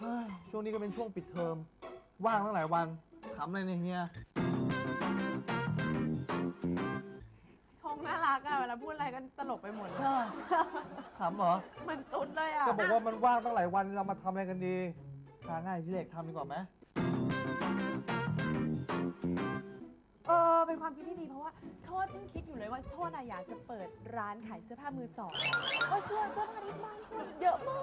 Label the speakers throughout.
Speaker 1: ช่วงนี้ก็เป็นช่วงปิดเทอมว่างตั้งหลายวันขำอะไรเนี่ยเฮีย
Speaker 2: ทงน่ารักอะเวลาพูดอะไรก็ตลกไปหมดเลย
Speaker 1: ขำเหรอ
Speaker 2: เหมือนตุ๊ดเลยอะ
Speaker 1: ก็บอกว่ามันว่างตั้งหลายวันเรามาทำอะไรกันดีหาง่ายที่เล็กทำดีกว่าไหม
Speaker 2: เป็นความคิดที่ดีเพราะว่าโชติเพิ่งคิดอยู่เลยว่าโชติอยากจะเปิดร้านขายเสื้อผ้ามือสองก็ช่วยเสื้อผ้าที่บ้านโชติเยอะมาก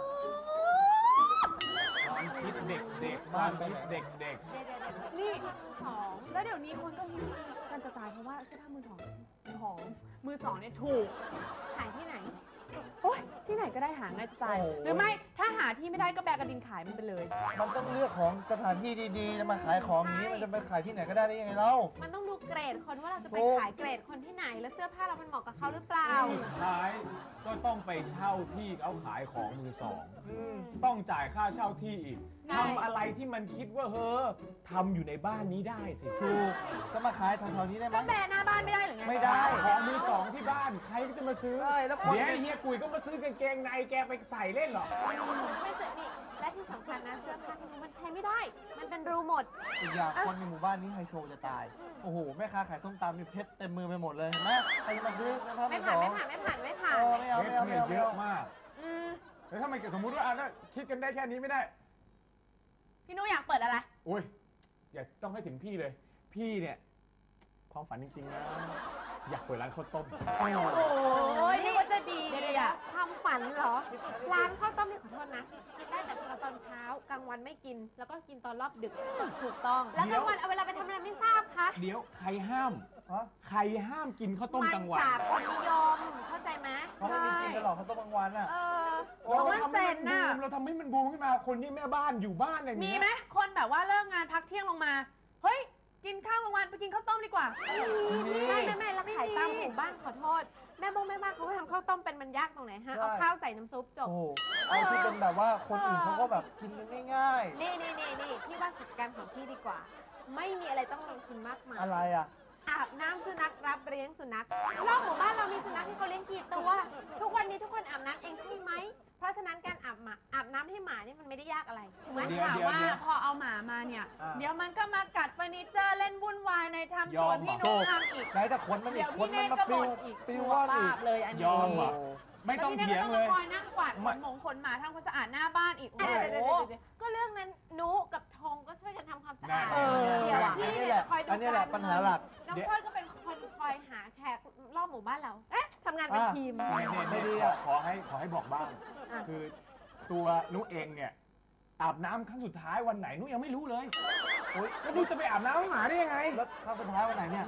Speaker 3: ความคิดเด็กๆบ้านไปเด็ก
Speaker 2: ๆนี่ของแล้วเดี๋ยวนี้คนก็ฮิตกันจะตายเพราะว่าเสื้อผ้ามือของมือสองเนี่ยถูกขายที่ไหนโอ๊ยที่ไหนก็ได้หาง่ายจะตายหรือไม่ถ้าหาที่ไม่ได้ก็แบกกระดินขายมันไปเลย
Speaker 1: มันต้องเลือกของสถานที่ดีๆจะมาขายของอย่างนี้มันจะไปขายที่ไหนก็ได้ยังไงเล่า
Speaker 4: มันต้องดูเกรดคนว่าเราจะไปขายเกรดคนที่ไหนแล้วเสื้อผ้าเรามันเหมาะกับเขาหรือเปล่า
Speaker 3: สุดท้ายก็ต้องไปเช่าที่เขาขายของมือสองต้องจ่ายค่าเช่าที่อีกทำอะไรที่มันคิดว่าทำอยู่ในบ้านนี้ได้สิ
Speaker 1: ถูกจะมาขายแถวๆนี้ได้ไหม
Speaker 2: ก็แบหน้าบ้านไม่ได้หรือไง
Speaker 1: ไม่ได้
Speaker 3: ของมือสองที่บ้านใครก็จะมาซื้อ
Speaker 1: ใช่แล้ว
Speaker 3: เดี๋ยวเฮียกุยก็มาซื้อกางเกงในแกไปใส่เล่นหรอ
Speaker 4: ไม่สนิทและที่สำคัญนะเสื้อผ้าที่มันใช้ไม่ได้มันเป็นรูหมด
Speaker 1: อีกอย่างคนในหมู่บ้านนี้ไฮโซจะตายโอ้โหแม่ค้าขายส้มตำมีเพชรเต็มมือไปหมดเลยเห็นไหมใครจะมาซื้อเสื้อผ้ามือสอง
Speaker 4: ไม่ผ่านไม่
Speaker 1: เอา
Speaker 3: เยอะมากแล้วถ้ามันสมมติว่าคิดกันได้แค่นี้ไม่ได้
Speaker 2: พี่นุ้ยอยากเปิดอะไร
Speaker 3: โอ้ยอย่าต้องให้ถึงพี่เลยพี่เนี่ยความฝันจริงๆนะอยากเปิดร้านข้าวต้ม
Speaker 2: โอ้ยนี่ว่าจะดีเลยอะ
Speaker 4: ความฝันเหรอร้านข้าวต้มนี่ขอโทษนะกินได้แต่ตอนเช้ากลางวันไม่กินแล้วก็กินตอนรอบดึก
Speaker 2: ถูกต้อง
Speaker 4: แล้วกลางวันเอาเวลาไปทำอะไรไม่ทราบคะ
Speaker 3: เดี๋ยวใครห้ามกินข้าวต้มกลางวัน
Speaker 4: มันสากลนิยมเข้าใจไหม
Speaker 1: เขาไม่มีกินกันหรอกข้าวต้มกลางวันอ่ะ
Speaker 2: มันเซ็นน่ะ
Speaker 3: เราทำให้มันบูมขึ้นมาคนที่แม่บ้านอยู่บ้านอย่างนี้
Speaker 2: มีไหมคนแบบว่าเลิกงานพักเที่ยงลงมาเฮ้ยกินข้าวกลางวันไปกินข้าวต้มดีกว่า
Speaker 4: ไม่แล้วขายตามหมู่บ้านขอโทษแม่บ้านเขาก็ทำข้าวต้มเป็นมันยากตรงไหนฮะเอาข้าวใส่น้ำซุปจบ
Speaker 1: เอาที่เป็นแบบว่าคนอื่นเขาก็แบบกินกันง่าย
Speaker 4: ๆนี่พี่ว่ากิจการของพี่ดีกว่าไม่มีอะไรต้องลงทุนมากมาย
Speaker 1: อะไรอ่ะ
Speaker 4: อาบน้ำสุนัขรับเลี้ยงสุนัขรอบหมู่บ้านเรามีสุนัขที่เขาเลี้ยงกี่ตัวทุกวันนี้ทุกคนอาบน้ำเองใช่ไหมเพราะฉะนั้นการอาบน้ำให้หมานี่มันไม่ได้ยากอะไร
Speaker 2: ถูกไหมถามว่าพอเอาหมามาเนี่ยเดี๋ยวมันก็มากัดเฟอร์นิเจอร์เล่นวุ่นวายในทำสวนพี่นุ๊กทำอีก
Speaker 1: ไหนจะขนมันอีกขนมันมาปลิว
Speaker 2: ว่านอีกเลยอันนี้
Speaker 3: ยอมอ่ะไม่ต้องเถียงเลย
Speaker 2: คอยนั่งกวาดขนหมาทำความสะอาดหน้าบ้านอีกโอ้โห
Speaker 4: ก็เรื่องนั้นนุ๊กกับธงก็ช่วยกันทำความสะอาด
Speaker 1: เดี๋ยวพี่เนี่ยคอยดูอันนี้แหละปัญหาหลัก
Speaker 4: น้องช่วยก็เป็นคนคอยหาแขกรอบหมู่บ้านเราทำงานเป็นทีม
Speaker 3: ไม่ดีอ่ะขอให้บอกบ้างคือตัวนุ๊กเองเนี่ยอาบน้ำครั้งสุดท้ายวันไหนนุ๊กยังไม่รู้เลยแล้วนุ๊กจะไปอาบน้ำให้หมาได้ยังไง
Speaker 1: แล้วครั้งสุดท้ายวันไหนเนี่ย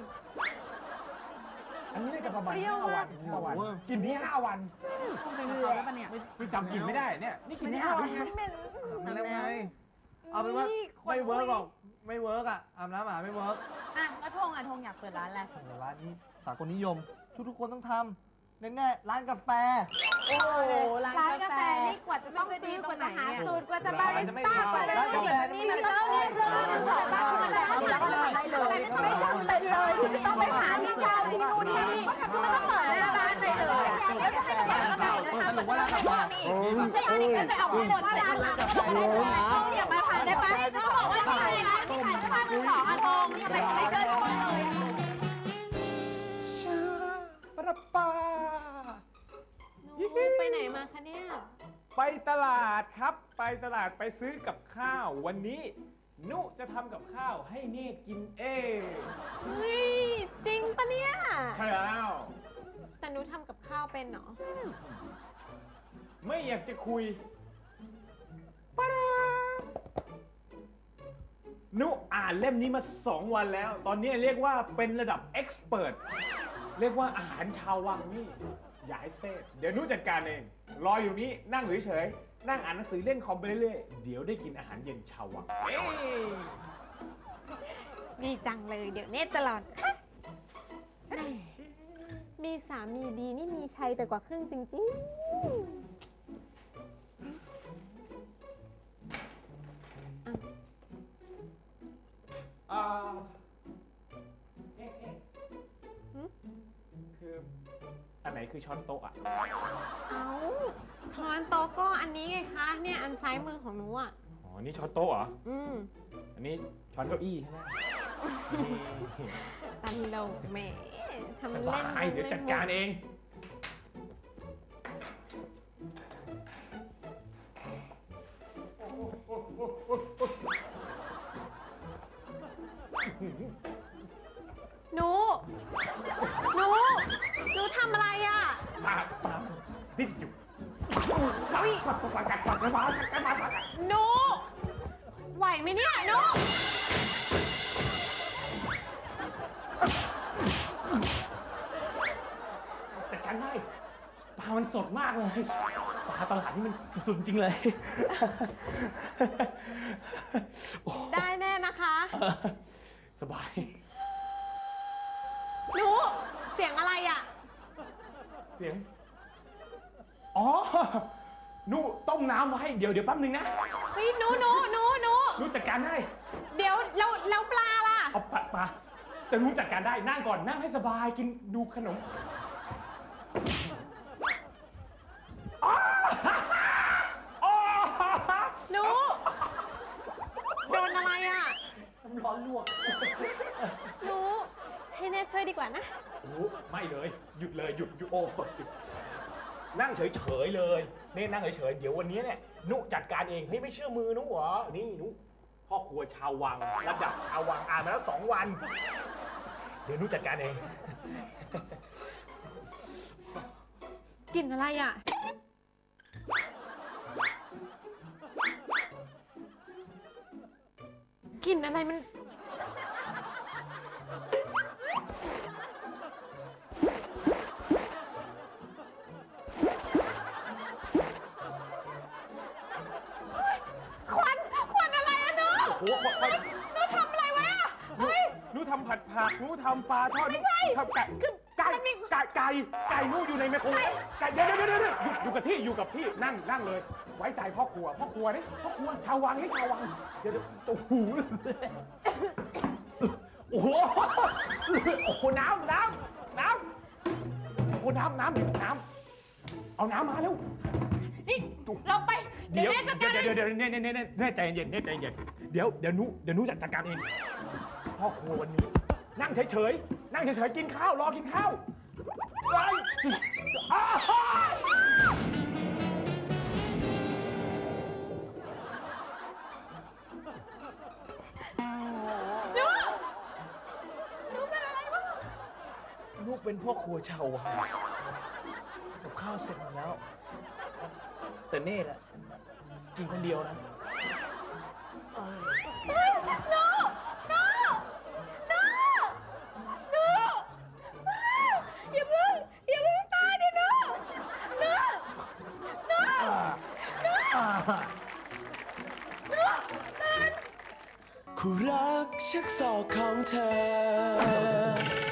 Speaker 3: อันนี้ได้กับประมาณ5 วันกินที่5 วัน
Speaker 2: เป็นเรือแล้วปะเนี่ย
Speaker 3: นี่จำกินไม่ได้เนี่ยนี่กินที่5 วัน
Speaker 1: มันแล้วไงเอาเป็นว่าไม่เวิร์กหรอกไม่เวิร์กอ่ะอาบน้ำหมาไม่เวิร์ก
Speaker 2: แล้วธงอยากเปิดร้านอะไร
Speaker 1: ร้านนี้สากลนิยมทุกคนต้องทำแน่ร้านกาแฟ
Speaker 2: โอ้ร้านกาแฟ
Speaker 4: นี่กว่าจะต้องซื้อกว่าจะหาสูตรกว่าจะบาริสต้ากว่าจะ
Speaker 1: ร้านกาแฟ
Speaker 4: นี่แล้วเนี่ยเจอร้านบ้านมาแล้วเราก็ทำได้เลยไม่ต้องเลยที่ต้องไปหาที่เช่าที่นู่นที่นี่ก็ต้องเปิดหน้าบ้านเลยแล้วจะให้ร้านกาแฟเลยทำแบบว่าร้านกาแฟนี่ไม่ใช่อันนี้ก็จะเอาข้อมูลว่าร้านหลังต้องอยากมาผ่านได้ปะเขาบอกว่าที่ไหนร้านที่ขายเสื้อผ้ามือสองทงทำไมไม่เชิญชวนเลย
Speaker 3: ประปา
Speaker 4: ไปไหนมาคะเนี่ย
Speaker 3: ไปตลาดครับไปตลาดไปซื้อกับข้าววันนี้นุจะทำกับข้าวให้เนตรกินเอง
Speaker 4: เฮ้ยจริงปะเนี่ย
Speaker 3: ใช่แล้ว
Speaker 4: แต่นุทำกับข้าวเป็นเหรอ
Speaker 3: ไม่อยากจะคุยนุอ่านเล่มนี้มา2 วันแล้วตอนนี้เรียกว่าเป็นระดับเอ็กซ์เพรสเรียกว่าอาหารชาววังนี่อย่าให้เซ่เดี๋ยวนุจัดการเองรออยู่นี้นั่งเฉยๆนั่งอ่านหนังสือเล่นคอมไปเรื่อยๆเดี๋ยวได้กินอาหารเย็นชาววัง
Speaker 4: ดีจังเลยเดี๋ยวเนตจะหลอนมีสามีดีนี่มีชัยไปกว่าครึ่งจริงๆ
Speaker 3: คืออันไหนคือช้อนโต๊ะอ่ะ
Speaker 4: ช้อนโต๊ะก็อันนี้ไงคะเนี่ยอันซ้ายมือของหนูอ่ะ
Speaker 3: อันนี้ช้อนโต๊ะเหรอ อันนี้ช้อนเก้าอี้ใช่ไหม
Speaker 4: ตลกแหมทำ
Speaker 3: ส
Speaker 4: เล่น
Speaker 3: บายเดี๋ยวจัดการเอง
Speaker 4: หนูทำอะไรอ่ะ
Speaker 3: ปากดิ้นอยู่
Speaker 4: อุ๊ย หนูไหวไหมเนี่ยหนู
Speaker 3: จัดการได้ปลามันสดมากเลยปลาตลาดนี่มันสุดๆจริงเลย
Speaker 4: ได้แน่นะคะ
Speaker 3: สบาย
Speaker 4: หนูเสียงอะไรอ่ะ
Speaker 3: เสียง อ๋อนูต้มน้ำไว้เดี๋ยวแป๊บนึงนะ
Speaker 4: เฮ้ยหนู
Speaker 3: นูจัดการได้
Speaker 4: เดี๋ยวแล้วปลาล่ะ
Speaker 3: เอาปลาจะนูจัดการได้นั่งก่อนนั่งให้สบายกินดูขนมอ๋ออ๋อ
Speaker 4: หนู โดนอะไรอ่ะ
Speaker 3: น้ำร้อนลวก
Speaker 4: หนูให้แน่ช่วยดีกว่านะ
Speaker 3: โอ้ไม่เลยหยุดเลยหยุดโอ้หยุดนั่งเฉยๆเลยนี่นั่งเฉยๆเดี๋ยววันนี้เนี่ยนุจัดการเองเฮ้ยไม่เชื่อมือนุเหรอนี่นุพ่อครัวชาววังระดับชาววังอ่านมาแล้ว2 วัน เดี๋ยวนุจัดการเอง
Speaker 4: กลิ่นอะไรอ่ะ กลิ่นอะไรมัน ควันอะไรอะหนู
Speaker 3: โอ้โห
Speaker 4: หนูทำอะไรไว้อะเฮ้ย
Speaker 3: นุทำผัดผักนุทำปลาทอด
Speaker 4: ไม่ใช่
Speaker 3: ทำไก่ไก่นุอยู่ในไมโครเวฟไก่เดี๋ยวอยู่กับที่นั่งเลย ไว้ใจพ่อครัวนี่พ่อครัวชาววังนี่ชาววังเดี๋ยวโอ้โหโอ้โหน้ำโอ้โหน้ำเอาน้ำมาเร็ว
Speaker 4: นี่เราไป เดี๋ยวแม่จัดการ
Speaker 3: เดี๋ยวแน่ใจเย็นเดี๋ยวนุจัดการเองพ่อครัววันนี้นั่งเฉยกินข้าวรอกินข้าวไป
Speaker 4: หนูเป็นอะไรบ้าง
Speaker 3: นุเป็นพ่อครัวชาววังกับข้าวเสร็จหมดแล้ว แต่เน่แหละกินคนเดียวนะ
Speaker 4: อย่าเพิ่งตายดิหนู
Speaker 5: คู่รักชักศอกของเธอ